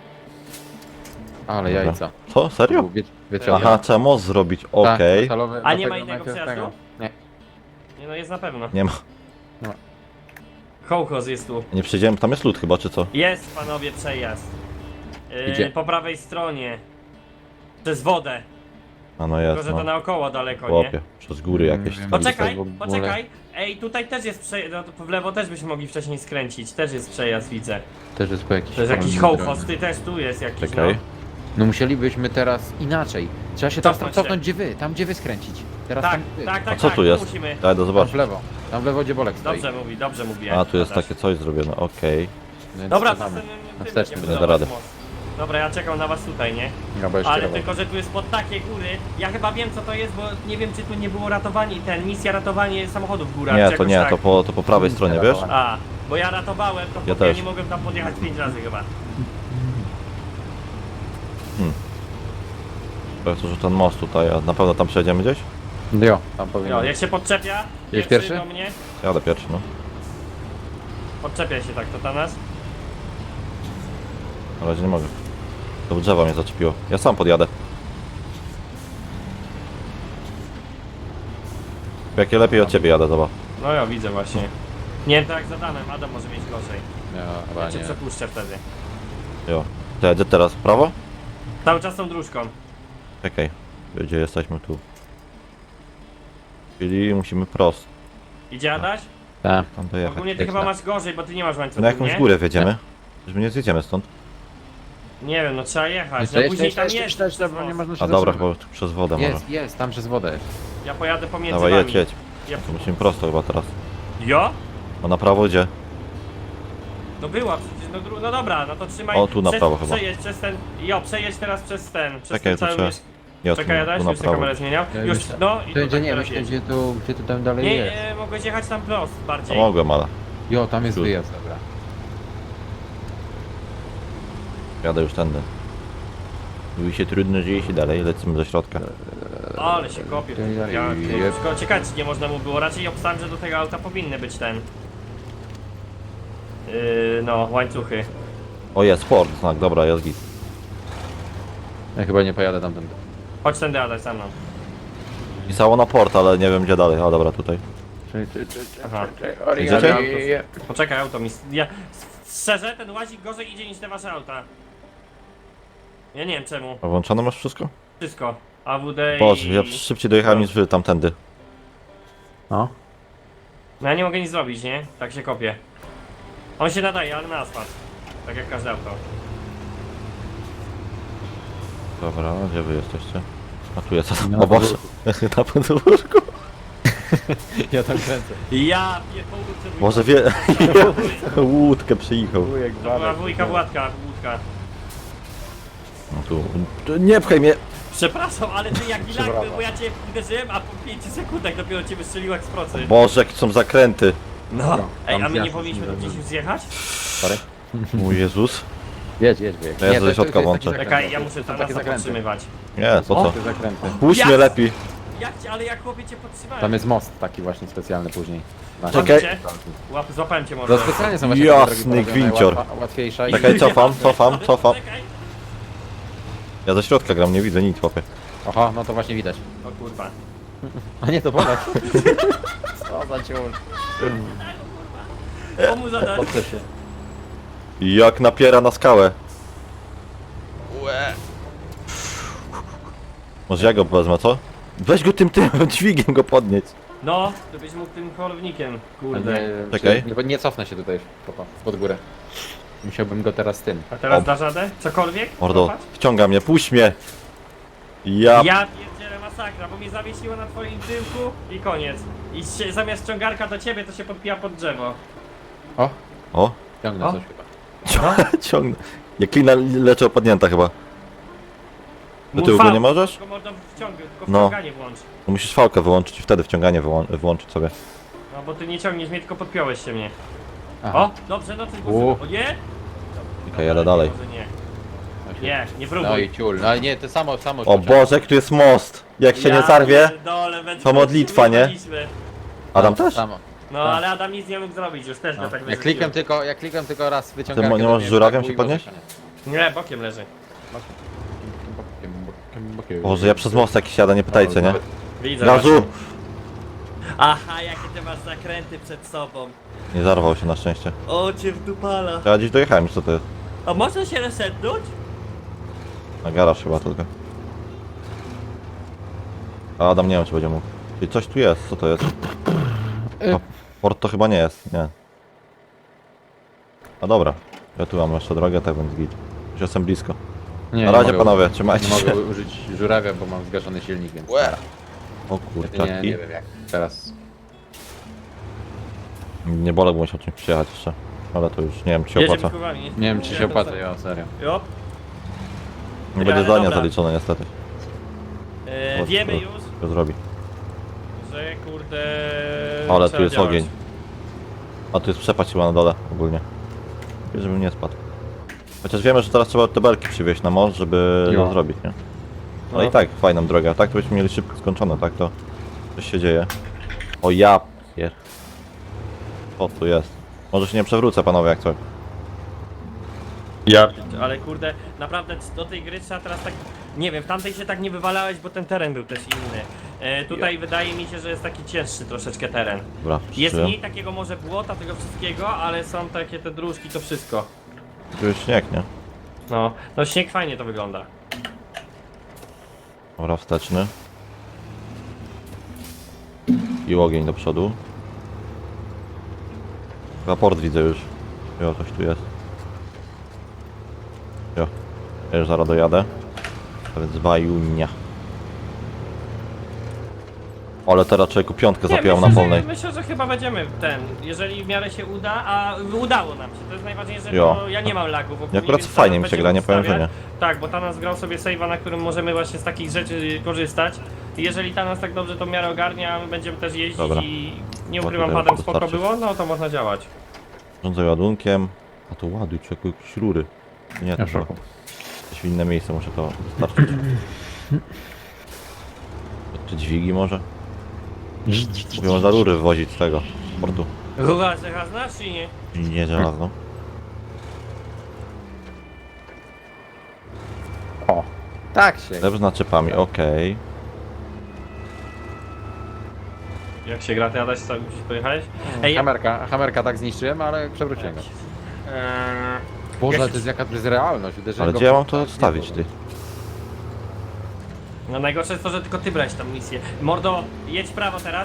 [SPEAKER 2] Ale
[SPEAKER 1] Dobra.
[SPEAKER 2] jajca.
[SPEAKER 1] Co? Serio?
[SPEAKER 2] Wiecie,
[SPEAKER 1] Aha, trzeba most zrobić, okej.
[SPEAKER 2] metalowy,
[SPEAKER 3] A nie ma
[SPEAKER 2] dlatego
[SPEAKER 3] innego
[SPEAKER 2] najpierw
[SPEAKER 3] przejazdu?
[SPEAKER 2] Nie.
[SPEAKER 3] Nie no, jest na pewno.
[SPEAKER 1] Nie ma.
[SPEAKER 3] Kołchoz jest tu.
[SPEAKER 1] Nie przejdziemy, tam jest lód chyba, czy co?
[SPEAKER 3] Jest, panowie, przejazd.
[SPEAKER 2] Gdzie?
[SPEAKER 3] Po prawej stronie. Przez wodę.
[SPEAKER 1] A no
[SPEAKER 3] Tylko,
[SPEAKER 1] jest,
[SPEAKER 3] że to
[SPEAKER 1] no.
[SPEAKER 3] naokoło daleko, nie?
[SPEAKER 1] Chłopie, przez góry jakieś.
[SPEAKER 2] Wiem.
[SPEAKER 1] tam
[SPEAKER 3] Poczekaj,
[SPEAKER 1] jest.
[SPEAKER 2] w ogóle.
[SPEAKER 3] poczekaj. Ej, tutaj też jest przejazd. No, w lewo też byśmy mogli wcześniej skręcić. Też jest przejazd, widzę.
[SPEAKER 2] Też jest po jakiś...
[SPEAKER 3] To jest jakiś
[SPEAKER 2] formy
[SPEAKER 3] hołchoz,
[SPEAKER 2] drogi.
[SPEAKER 3] ty też tu jest jakiś,
[SPEAKER 1] Czekaj.
[SPEAKER 2] No musielibyśmy teraz inaczej. Trzeba się teraz tam
[SPEAKER 3] Cofnąć się.
[SPEAKER 2] cofnąć, gdzie wy, tam gdzie wy skręcić. Teraz
[SPEAKER 3] Tak,
[SPEAKER 2] tam wy.
[SPEAKER 3] tak, tak,
[SPEAKER 1] A co
[SPEAKER 3] tak,
[SPEAKER 1] tu jest?
[SPEAKER 3] musimy.
[SPEAKER 1] Ja idę
[SPEAKER 2] Tam w
[SPEAKER 1] zobaczyć.
[SPEAKER 2] lewo. Tam w lewo, gdzie Bolek stoi.
[SPEAKER 3] Dobrze mówi.
[SPEAKER 1] A, tu jest
[SPEAKER 3] Adaś.
[SPEAKER 1] takie coś zrobione, okej.
[SPEAKER 2] Więc
[SPEAKER 3] Dobra, to
[SPEAKER 2] cofamy.
[SPEAKER 3] ten
[SPEAKER 2] Wsteczny
[SPEAKER 3] nie
[SPEAKER 1] będę
[SPEAKER 3] budować
[SPEAKER 1] radę.
[SPEAKER 3] most. Dobra, ja czekam na was tutaj, nie?
[SPEAKER 2] Ja bo jeszcze
[SPEAKER 3] Ale
[SPEAKER 2] robię.
[SPEAKER 3] tylko, że tu jest pod takie góry. Ja chyba wiem co to jest, bo nie wiem czy tu nie było ratowanie, misja ratowanie samochodów w górach.
[SPEAKER 1] Nie,
[SPEAKER 3] czy
[SPEAKER 1] to
[SPEAKER 3] jakoś
[SPEAKER 1] nie,
[SPEAKER 3] tak.
[SPEAKER 1] to po prawej stronie, wiesz?
[SPEAKER 3] A, bo ja ratowałem, to
[SPEAKER 1] Ja
[SPEAKER 3] ja
[SPEAKER 1] też.
[SPEAKER 3] nie mogłem tam podjechać 5 razy chyba.
[SPEAKER 1] To, że ten most tutaj, a na pewno tam przejdziemy gdzieś?
[SPEAKER 2] Jo, tam powinien
[SPEAKER 3] Jo,
[SPEAKER 2] być.
[SPEAKER 3] jak się podczepię,
[SPEAKER 2] Jest pierwszy?
[SPEAKER 3] do mnie,
[SPEAKER 1] Jadę pierwszy, no.
[SPEAKER 3] podczepia się tak, to ta nas.
[SPEAKER 1] Na razie nie mogę. To drzewa mnie zaczepiło. Ja sam podjadę. Jakie lepiej od ciebie jadę, zobacz.
[SPEAKER 3] No ja widzę właśnie. Nie wiem, to jak z Adamem, Adam może mieć gorzej.
[SPEAKER 2] Ja,
[SPEAKER 3] Ja
[SPEAKER 2] chyba
[SPEAKER 3] cię
[SPEAKER 2] nie.
[SPEAKER 3] przepuszczę wtedy.
[SPEAKER 1] Jo. To ja idę teraz w prawo?
[SPEAKER 3] Cały czas tą dróżką.
[SPEAKER 1] Czekaj. Gdzie jesteśmy tu? Czyli musimy prosto.
[SPEAKER 3] Idzie Adaś?
[SPEAKER 2] Tak.
[SPEAKER 1] Tam dojechać.
[SPEAKER 3] Ogólnie ty
[SPEAKER 2] Jak
[SPEAKER 3] chyba
[SPEAKER 2] tak.
[SPEAKER 3] masz gorzej, bo ty nie masz łańcucha,
[SPEAKER 1] Na jakąś
[SPEAKER 3] nie?
[SPEAKER 1] górę wjedziemy? Że my nie zjedziemy stąd.
[SPEAKER 3] Nie wiem, no trzeba jechać.
[SPEAKER 2] Jeszcze,
[SPEAKER 3] No później tam jest.
[SPEAKER 2] jeszcze,
[SPEAKER 3] przez
[SPEAKER 2] bo nie
[SPEAKER 3] most.
[SPEAKER 2] można się
[SPEAKER 1] A dobra,
[SPEAKER 2] zatrzymać.
[SPEAKER 1] chyba tu przez wodę może.
[SPEAKER 2] Jest, tam przez wodę jest.
[SPEAKER 3] Ja pojadę pomiędzy
[SPEAKER 1] Dawaj,
[SPEAKER 3] wami.
[SPEAKER 1] jedź, jedź.
[SPEAKER 3] Ja...
[SPEAKER 1] To musimy prosto chyba teraz.
[SPEAKER 3] Jo?
[SPEAKER 1] A na prawo gdzie?
[SPEAKER 3] No była przecież, no dobra, no to trzymaj.
[SPEAKER 1] O, tu na prawo chyba.
[SPEAKER 3] Przejedź przez ten. Jo, przejedź teraz przez ten. Przez
[SPEAKER 1] Czekaj,
[SPEAKER 3] ten
[SPEAKER 1] to
[SPEAKER 3] cały
[SPEAKER 1] trzeba-
[SPEAKER 3] mysz.
[SPEAKER 1] Nie,
[SPEAKER 3] Czekaj, Adaś,
[SPEAKER 1] tu na
[SPEAKER 3] już tę
[SPEAKER 1] prawo.
[SPEAKER 3] kamerę zmieniał.
[SPEAKER 2] Ja
[SPEAKER 3] Już,
[SPEAKER 2] myślę-
[SPEAKER 3] no i
[SPEAKER 2] To
[SPEAKER 3] tutaj
[SPEAKER 2] nie,
[SPEAKER 3] teraz
[SPEAKER 2] myślę,
[SPEAKER 3] jedź.
[SPEAKER 2] gdzie tu tam dalej
[SPEAKER 3] Nie,
[SPEAKER 2] jest.
[SPEAKER 3] mogłeś jechać tam prost
[SPEAKER 1] No
[SPEAKER 3] bardziej.
[SPEAKER 1] mogłem, ale
[SPEAKER 2] Jo, tam jest
[SPEAKER 1] Tu.
[SPEAKER 2] wyjazd, dobra.
[SPEAKER 1] jadę już tędy. Mówi się trudno, dzieje się dalej, lecimy do środka.
[SPEAKER 3] Ale się kopie.
[SPEAKER 2] Jep.
[SPEAKER 3] Tylko ciekawe, czy nie można mu było. Raczej obstałem, że do tego auta powinny być ten. No, łańcuchy.
[SPEAKER 1] O jest, sport, znak, dobra, jest git.
[SPEAKER 2] Ja chyba nie pojadę tamtędy.
[SPEAKER 3] Chodź tędy, Adaś, za mną.
[SPEAKER 1] Pisało na port, ale nie wiem gdzie dalej. O dobra, tutaj.
[SPEAKER 3] Aha.
[SPEAKER 1] Idziecie?
[SPEAKER 3] Poczekaj, auto mi... Ja... Szczerze, ten łazik gorzej idzie niż te wasze auta. Ja nie wiem czemu.
[SPEAKER 1] A włączone masz wszystko?
[SPEAKER 3] Wszystko. AWD i...
[SPEAKER 1] Boże, ja szybciej dojechałem niż wy tamtędy.
[SPEAKER 2] No.
[SPEAKER 3] No ja nie mogę nic zrobić, nie? Tak się kopię. On się nadaje, ale na asfalt. Tak jak każde auto.
[SPEAKER 1] Dobra, gdzie wy jesteście? A tu jest,
[SPEAKER 2] Na
[SPEAKER 1] o Boże, na podwórku.
[SPEAKER 2] Ja tam kręcę.
[SPEAKER 3] Ja pierdolę.
[SPEAKER 1] Może wie... Łódkę przyjechał.
[SPEAKER 2] Wujek,
[SPEAKER 3] To była wujka Władka, łódka.
[SPEAKER 1] No tu... Nie pchaj mnie!
[SPEAKER 3] Przepraszam, ale ty jak
[SPEAKER 2] Przepraszam.
[SPEAKER 3] ilak, bo ja cię uderzyłem, a po 5 sekundach dopiero cię wystrzelił jak z procy.
[SPEAKER 1] Boże, jakie są zakręty.
[SPEAKER 3] No. Ej,
[SPEAKER 2] tam
[SPEAKER 3] a my nie
[SPEAKER 2] zjazd
[SPEAKER 3] powinniśmy tu
[SPEAKER 2] jest
[SPEAKER 3] gdzieś już zjechać?
[SPEAKER 2] Sorry.
[SPEAKER 1] Mój Jezus.
[SPEAKER 2] Jedź, wujek.
[SPEAKER 1] Ja
[SPEAKER 2] Nie,
[SPEAKER 1] do
[SPEAKER 2] to-
[SPEAKER 1] środka
[SPEAKER 2] to jest
[SPEAKER 1] włączę.
[SPEAKER 2] taki
[SPEAKER 3] Czekaj,
[SPEAKER 2] zakręt.
[SPEAKER 3] ja muszę
[SPEAKER 2] To są
[SPEAKER 3] tam
[SPEAKER 2] takie
[SPEAKER 3] nas
[SPEAKER 2] zakręty.
[SPEAKER 3] podtrzymywać.
[SPEAKER 1] Nie, po
[SPEAKER 2] O,
[SPEAKER 1] co?
[SPEAKER 2] te zakręty.
[SPEAKER 1] Puść mnie
[SPEAKER 3] Jak?
[SPEAKER 1] lepiej.
[SPEAKER 3] Jak cię, ale jak chłopie cię podtrzymałem?
[SPEAKER 2] Tam jest most taki właśnie specjalny później. Na-
[SPEAKER 1] Czekaj.
[SPEAKER 3] Widzicie? Złapałem cię może.
[SPEAKER 2] To specjalnie są właśnie
[SPEAKER 1] Jasny
[SPEAKER 2] takie drogi porobione,
[SPEAKER 1] gwincior.
[SPEAKER 2] Łatwiejsza i...
[SPEAKER 1] Czekaj, cofam.
[SPEAKER 3] Czekaj.
[SPEAKER 1] Ja ze środka gram, nie widzę nic, chłopie.
[SPEAKER 2] Aha, no to właśnie widać.
[SPEAKER 3] O kurwa.
[SPEAKER 2] A nie, to Polak. Co za ciul.
[SPEAKER 3] Komu zadać?
[SPEAKER 2] Podprzeć się.
[SPEAKER 1] Jak napiera na skałę. Może ja go wezmę, co? Weź go tym dźwigiem go podnieść.
[SPEAKER 3] No, to byś mógł tym holownikiem.
[SPEAKER 2] A
[SPEAKER 3] Kurde.
[SPEAKER 2] nie,
[SPEAKER 1] Czekaj.
[SPEAKER 2] Nie cofnę się tutaj pod górę. Musiałbym go teraz tym.
[SPEAKER 3] A teraz
[SPEAKER 1] O.
[SPEAKER 3] dasz radę? Cokolwiek?
[SPEAKER 1] Mordo,
[SPEAKER 3] Złapać?
[SPEAKER 1] wciąga mnie, puść mnie. Ja...
[SPEAKER 3] Ja pierdzielę masakra, bo mnie zawiesiło na twoim tyłku i koniec. I zamiast ciągarka do ciebie to się podpija pod drzewo.
[SPEAKER 2] O,
[SPEAKER 1] O,
[SPEAKER 2] ciągnę
[SPEAKER 3] O.
[SPEAKER 2] coś chyba.
[SPEAKER 1] ciągnę. Jak klina leczę opadnięta chyba. Do tyłu go nie możesz?
[SPEAKER 3] Tylko mordo tylko
[SPEAKER 1] No.
[SPEAKER 3] wciąganie włącz.
[SPEAKER 1] No musisz fałkę wyłączyć i wtedy wciąganie włączyć sobie.
[SPEAKER 3] No bo ty nie ciągniesz mnie, tylko podpiąłeś się mnie.
[SPEAKER 2] Aha.
[SPEAKER 3] O, dobrze, no ty
[SPEAKER 2] U.
[SPEAKER 3] O nie?
[SPEAKER 1] Okej, jadę dalej.
[SPEAKER 3] Może nie.
[SPEAKER 2] Właśnie.
[SPEAKER 3] Nie, nie
[SPEAKER 2] No
[SPEAKER 3] próbuj.
[SPEAKER 2] i ciul. No ale nie, to samo.
[SPEAKER 1] O Boże, jak tu jest most. Jak się nie zarwie.
[SPEAKER 3] pierdolę, będzie
[SPEAKER 1] to modlitwa, nie?
[SPEAKER 3] wyjechaliśmy.
[SPEAKER 1] Adam też?
[SPEAKER 2] Samo.
[SPEAKER 3] No
[SPEAKER 2] Tak.
[SPEAKER 3] ale Adam nic nie mógł zrobić, już też go tak
[SPEAKER 2] Jak klikam tylko raz wyciągam.
[SPEAKER 1] Ty nie możesz żurawiem się podnieść?
[SPEAKER 3] Nie, bokiem leży.
[SPEAKER 1] Boże, ja przez most jakiś jadę, nie pytajcie, nie?
[SPEAKER 3] Widzę
[SPEAKER 1] Gazu!
[SPEAKER 3] właśnie. Aha, jakie ty masz zakręty przed sobą.
[SPEAKER 1] Nie zarwał się na szczęście.
[SPEAKER 3] O, cię wdupala.
[SPEAKER 1] Ja gdzieś dojechałem, co to jest?
[SPEAKER 3] A można się resetnąć?
[SPEAKER 1] Na garaż chyba tylko. A Adam nie wiem czy będzie mógł. Czyli coś tu jest, co to jest? O, port to chyba nie jest, nie. A dobra. Ja tu mam jeszcze drogę, tak więc git. Już jestem blisko.
[SPEAKER 2] Nie,
[SPEAKER 1] Na
[SPEAKER 2] nie
[SPEAKER 1] razie
[SPEAKER 2] mogę
[SPEAKER 1] panowie,
[SPEAKER 2] użyć-
[SPEAKER 1] trzymajcie
[SPEAKER 2] Nie
[SPEAKER 1] się.
[SPEAKER 2] mogę użyć żurawia, bo mam zgaszony silnik, więc...
[SPEAKER 1] O
[SPEAKER 2] Nie
[SPEAKER 1] kurczaki.
[SPEAKER 2] wiem jak. Teraz...
[SPEAKER 1] Nie bolę, bo musiał czymś przyjechać jeszcze. Ale to już nie wiem czy się
[SPEAKER 3] Jedziemy
[SPEAKER 1] opłaca.
[SPEAKER 3] kurwami.
[SPEAKER 2] Nie wiem czy się opłaca, ja serio.
[SPEAKER 3] Jo.
[SPEAKER 1] Nie będzie
[SPEAKER 3] Ale
[SPEAKER 1] zdania
[SPEAKER 3] dobra.
[SPEAKER 1] zaliczone niestety. Bo-
[SPEAKER 3] Wiemy
[SPEAKER 1] to-
[SPEAKER 3] już,
[SPEAKER 1] To zrobi.
[SPEAKER 3] że kurde...
[SPEAKER 1] Ale
[SPEAKER 3] trzeba
[SPEAKER 1] tu jest
[SPEAKER 3] działać.
[SPEAKER 1] ogień. A tu jest przepaść chyba na dole ogólnie. Lepiej, żebym nie spadł. Chociaż wiemy, że teraz trzeba te belki przywieźć na most, żeby
[SPEAKER 2] Jo.
[SPEAKER 1] to zrobić, nie? No
[SPEAKER 3] No.
[SPEAKER 1] i tak, fajną drogę, a tak to byśmy mieli szybko skończone, tak to coś się dzieje. O ja pier... O tu jest. Może się nie przewrócę panowie jak coś.
[SPEAKER 3] Ale kurde, naprawdę do tej gry trzeba teraz tak... Nie wiem, w tamtej się tak nie wywalałeś, bo ten teren był też inny. Tutaj wydaje mi się, że jest taki cięższy troszeczkę teren.
[SPEAKER 1] Dobra,
[SPEAKER 3] Jest
[SPEAKER 1] przyszedłem.
[SPEAKER 3] mniej takiego może błota, tego wszystkiego, ale są takie te dróżki, to wszystko.
[SPEAKER 1] Tu jest śnieg, nie?
[SPEAKER 3] No śnieg fajnie to wygląda.
[SPEAKER 1] Dobra, wsteczny. I ogień do przodu. Raport widzę już. Jo, coś tu jest. Jo. Ja już zaraz dojadę. A więc bajunia. Ale teraz człowieku piątkę zapiął na polnej.
[SPEAKER 3] Myślę, że chyba będziemy jeżeli w miarę się uda, a udało nam się. To jest najważniejsze,
[SPEAKER 1] Jo.
[SPEAKER 3] bo ja nie mam lagów.
[SPEAKER 1] I akurat fajnie mi się gra, nie powiem, że nie.
[SPEAKER 3] Tak, bo Tanas grał sobie save'a, na którym możemy właśnie z takich rzeczy korzystać. I jeżeli Tanas tak dobrze to w miarę ogarnia, my będziemy też jeździć
[SPEAKER 1] Dobra.
[SPEAKER 3] i nie
[SPEAKER 1] Bo
[SPEAKER 3] ukrywam,
[SPEAKER 1] tutaj
[SPEAKER 3] padem spoko
[SPEAKER 1] wystarczy.
[SPEAKER 3] było, no to można działać.
[SPEAKER 1] Rządzę ładunkiem. A to ładuj człowieku jakieś rury. Nie, to
[SPEAKER 2] Ja w
[SPEAKER 1] chyba.
[SPEAKER 2] szoku.
[SPEAKER 1] Jakieś w inne miejsce muszę to dostarczyć. Czy dźwigi może? Mówię, można rury wywozić z tego portu.
[SPEAKER 3] Rura żelazna czy nie?
[SPEAKER 1] Nie żelazno.
[SPEAKER 2] O, tak się.
[SPEAKER 1] Chleb z naczepami, okej.
[SPEAKER 3] Jak się gra, to jadać, co gdzieś pojechałeś? Ej,
[SPEAKER 2] Hamerka tak zniszczyłem, ale przewróciłem go. Boże,
[SPEAKER 3] Ja się-
[SPEAKER 2] to jest realność. Uderzyłem
[SPEAKER 1] Ale
[SPEAKER 2] go
[SPEAKER 1] gdzie ja
[SPEAKER 2] w-
[SPEAKER 1] mam to
[SPEAKER 2] tak,
[SPEAKER 1] odstawić,
[SPEAKER 2] nie
[SPEAKER 1] ty?
[SPEAKER 3] No najgorsze jest to, że tylko ty brałeś tą misję. Mordo, jedź w prawo teraz.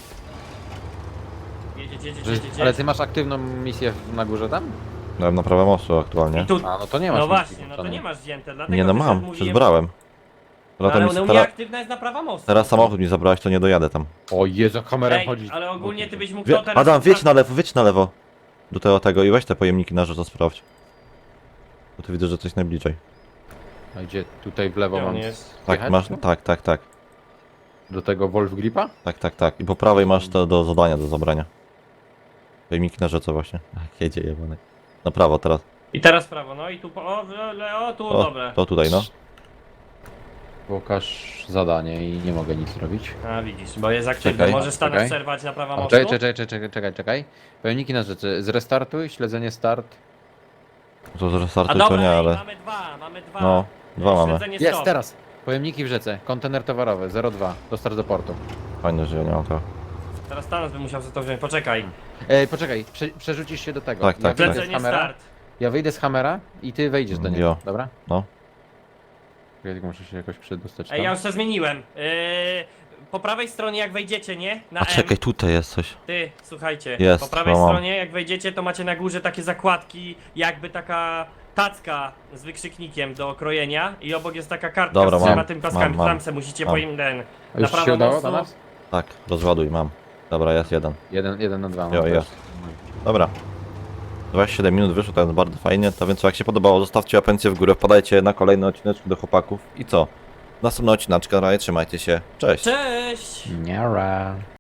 [SPEAKER 3] Jedź.
[SPEAKER 2] było. Ale ty masz aktywną misję na górze tam?
[SPEAKER 1] Dałem na prawe mostu aktualnie.
[SPEAKER 3] I tu...
[SPEAKER 2] A, no to nie masz.
[SPEAKER 3] No
[SPEAKER 2] misji
[SPEAKER 3] właśnie, no to
[SPEAKER 2] włączonej.
[SPEAKER 3] nie masz wzięte, dlatego
[SPEAKER 1] Nie no
[SPEAKER 3] też
[SPEAKER 1] mam,
[SPEAKER 3] mówiłem-
[SPEAKER 1] przecież brałem.
[SPEAKER 3] No,
[SPEAKER 1] Teraz,
[SPEAKER 3] ale u mnie
[SPEAKER 1] teraz,
[SPEAKER 3] aktywna jest naprawa mostu.
[SPEAKER 1] teraz samochód mi zabrałeś, to nie dojadę tam.
[SPEAKER 2] O Jezu, kamerę
[SPEAKER 3] Ej,
[SPEAKER 2] chodzi.
[SPEAKER 3] ale ogólnie ty byś mógł to teraz...
[SPEAKER 1] Adam, wiedź na lewo. Do tego i weź te pojemniki na rzecz, to sprawdź. Bo tu widzę, że coś najbliżej.
[SPEAKER 2] A gdzie? Tutaj w lewo
[SPEAKER 3] Gdzie on
[SPEAKER 2] mam
[SPEAKER 3] jest?
[SPEAKER 1] Tak,
[SPEAKER 2] jechać?
[SPEAKER 1] masz, tak.
[SPEAKER 2] Do tego Wolf Gripa?
[SPEAKER 1] Tak. I po prawej masz to do zadania, do zabrania. Pojemniki na rzece właśnie. Jak jedzie jebany. Na prawo teraz.
[SPEAKER 3] I teraz w prawo, no i tu... tu,
[SPEAKER 1] O,
[SPEAKER 3] dobra.
[SPEAKER 1] to tutaj, no.
[SPEAKER 2] Pokaż zadanie i nie mogę nic zrobić.
[SPEAKER 3] A widzisz, bo jest aktywny.
[SPEAKER 1] Czekaj,
[SPEAKER 3] Możesz stanąć
[SPEAKER 2] czekaj.
[SPEAKER 3] przerwać naprawa mostu?
[SPEAKER 2] Czekaj. Pojemniki na rzeczy. Zrestartuj, śledzenie start.
[SPEAKER 1] To że
[SPEAKER 3] A
[SPEAKER 1] startuj
[SPEAKER 3] dobra,
[SPEAKER 1] to nie,
[SPEAKER 3] ej,
[SPEAKER 1] ale...
[SPEAKER 3] mamy dwa.
[SPEAKER 1] No, dwa mamy.
[SPEAKER 3] Śledzenie
[SPEAKER 2] Jest
[SPEAKER 3] stop.
[SPEAKER 2] teraz! Pojemniki w rzece. Kontener towarowy 02. Dostarcz do portu.
[SPEAKER 1] Fajne, że ja nie mam tego.
[SPEAKER 3] Teraz Thanos by musiał sobie to wziąć, poczekaj.
[SPEAKER 2] Poczekaj, przerzucisz się do tego.
[SPEAKER 1] Tak,
[SPEAKER 2] Ja
[SPEAKER 1] tak,
[SPEAKER 2] wyjdę
[SPEAKER 1] tak.
[SPEAKER 2] z
[SPEAKER 3] Śledzenie
[SPEAKER 2] Hammera.
[SPEAKER 3] start.
[SPEAKER 2] Ja wyjdę z Hammera i ty wejdziesz do niego.
[SPEAKER 1] Jo.
[SPEAKER 2] Dobra?
[SPEAKER 1] No.
[SPEAKER 2] Ja tylko muszę się jakoś przedostać
[SPEAKER 3] Ej, ja
[SPEAKER 2] tam.
[SPEAKER 3] już to zmieniłem. Po prawej stronie jak wejdziecie, nie? Na
[SPEAKER 1] A
[SPEAKER 3] M.
[SPEAKER 1] czekaj, tutaj jest coś.
[SPEAKER 3] Ty, słuchajcie.
[SPEAKER 1] Jest,
[SPEAKER 3] po prawej
[SPEAKER 1] no mam.
[SPEAKER 3] stronie jak wejdziecie, to macie na górze takie zakładki, jakby taka tacka z wykrzyknikiem do okrojenia i obok jest taka kartka
[SPEAKER 1] Dobra,
[SPEAKER 3] z
[SPEAKER 1] mam,
[SPEAKER 3] trzema tym paskami.
[SPEAKER 1] mam.
[SPEAKER 3] Tam se musicie
[SPEAKER 1] Mam.
[SPEAKER 3] ten.
[SPEAKER 2] A już ci się udało do nas?
[SPEAKER 1] Tak, rozładuj, mam. Dobra, jest jeden.
[SPEAKER 2] 1 na 2.
[SPEAKER 1] Jo, jest. Dobra. 27 minut wyszło, to jest bardzo fajnie. To więc jak się podobało, zostawcie apencję w górę, wpadajcie na kolejny odcinek do chłopaków. I co? Następny odcinek, trzymajcie się. Cześć!
[SPEAKER 3] Cześć!
[SPEAKER 2] Niara.